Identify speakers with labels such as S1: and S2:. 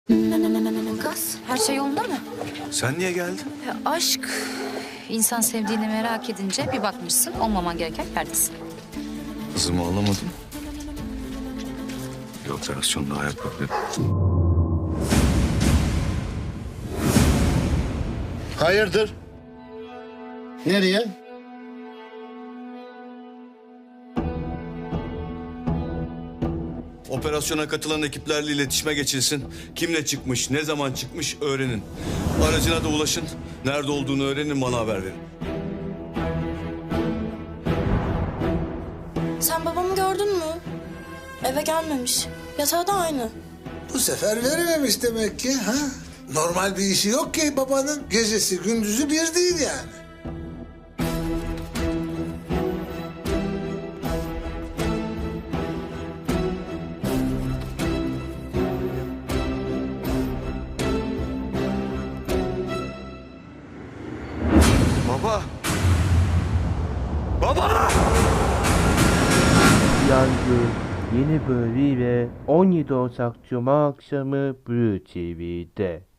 S1: Kız, her şey yolunda mı?
S2: Sen niye geldin?
S1: Aşk, insan sevdiğini merak edince bir bakmışsın olmaman gereken yerdesin.
S2: Kızımı alamadım. Bir operasyon daha yapabilirim.
S3: Hayırdır? Nereye?
S2: Operasyona katılan ekiplerle iletişime geçilsin. Kimle çıkmış, ne zaman çıkmış öğrenin. Aracına da ulaşın. Nerede olduğunu öğrenin, bana haber verin.
S4: Sen babamı gördün mü? Eve gelmemiş. Yatağı da aynı.
S5: Bu sefer verememiş demek ki. Ha? Normal bir işi yok ki babanın. Gecesi gündüzü bir değil yani.
S2: Baba! Baba!
S6: Yangın yeni bölümüyle 17 Ocak Cuma akşamı Blue TV'de.